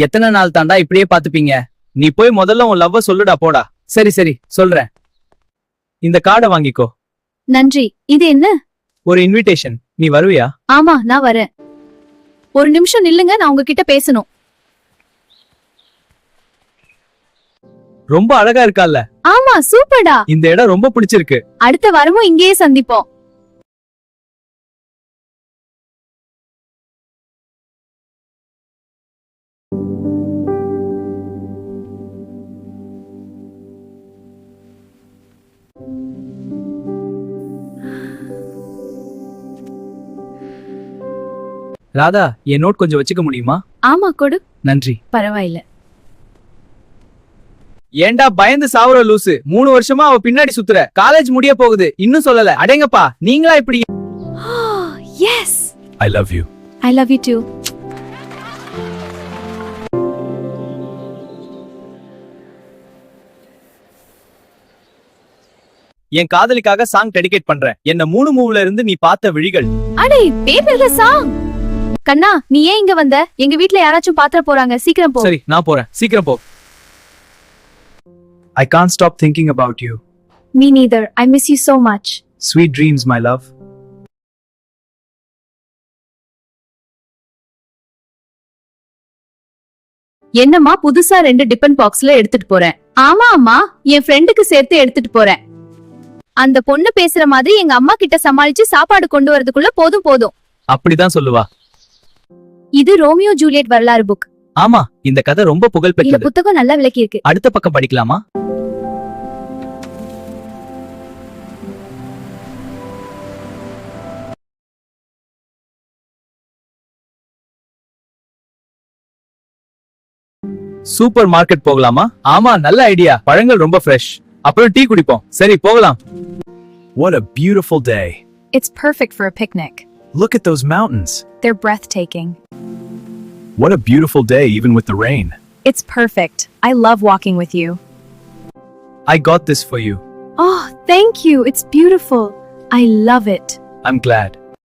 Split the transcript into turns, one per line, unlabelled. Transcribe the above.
எத்தனை நாள் தாண்டா இப்படியே பாத்துப்பீங்க? நீ போய் முதல்ல உன் லவ்வ சொல்லுடா போடா. சரி சரி சொல்றேன். இந்த கார்டை வாங்கிக்கோ.
நன்றி. இது என்ன?
ஒரு இன்விடேஷன். நீ வருவியா?
ஆமா, நான் வரேன். ஒரு நிமிஷம் நில்லுங்க, நான் உங்ககிட்ட பேசணும்.
ரொம்ப அழகா இருக்கால்ல?
ஆமா, சூப்பர்டா.
இந்த இடம் ரொம்ப பிடிச்சிருக்கு.
அடுத்த வாரமும் இங்கேயே சந்திப்போம்.
ராதா, என் நோட் கொஞ்சம் வச்சுக்க முடியுமா?
ஆமா, கொடு.
நன்றி.
பரவாயில்ல.
ஏண்டா பயந்து சாவுற லூசு? 3 வருஷமா அவ பின்னாடி சுத்துற. காலேஜ் முடிய போகுது, இன்னும் சொல்லல. அடேங்கப்பா, நீங்களா இப்படி?
Yes.
I love you.
I love you too.
என் காதலிக்காக சாங் டெடிகேட் பண்றேன். என்ன 3 மூவ்ல இருந்து நீ பார்த்த விழிகள்.
அடே, பேப்பர்ல சாங். கண்ணா, நீ ஏன் இங்க வந்த? எங்க வீட்ல யாராச்சும் பாத்திர போறாங்க. சீக்கிரம் போ.
சரி, நான் போறேன். சீக்கிரம் போ. I can't stop thinking about you.
Me neither. I miss you so much.
Sweet dreams, my love.
என்னம்மா புதுசா 2 டிபன் பாக்ஸ்ல எடுத்துட்டு போறேன்? ஆமா அம்மா, என் ஃப்ரெண்டுக்கு சேர்த்து எடுத்துட்டு போறேன். அந்த பொண்ணு பேசுற மாதிரி எங்க அம்மா கிட்ட சமாளிச்சு சாப்பாடு கொண்டு வரதுக்குள்ள போதும்.
அப்படிதான் சொல்லுவா.
இது ரோமியோ ஜூலியட் வரலாறு புக்.
ஆமா, இந்த கதை ரொம்ப புகழ்
இந்த
பெற்றது.
புத்தகம் நல்லா விளக்கி இருக்கு.
அடுத்த பக்கம் படிக்கலாமா? சூப்பர் மார்க்கெட் போகலாமா? ஆமா, நல்ல ஐடியா. பழங்கள் ரொம்ப ஃப்ரெஷ். அப்புறம் டீ குடிப்போம். சரி, போகலாம்.
What a beautiful day.
It's perfect for a picnic.
Look at those mountains.
They're breathtaking.
What a beautiful day even with the rain.
It's perfect. I love walking with you.
I got this for you.
Oh, thank you. It's beautiful. I love it.
I'm glad.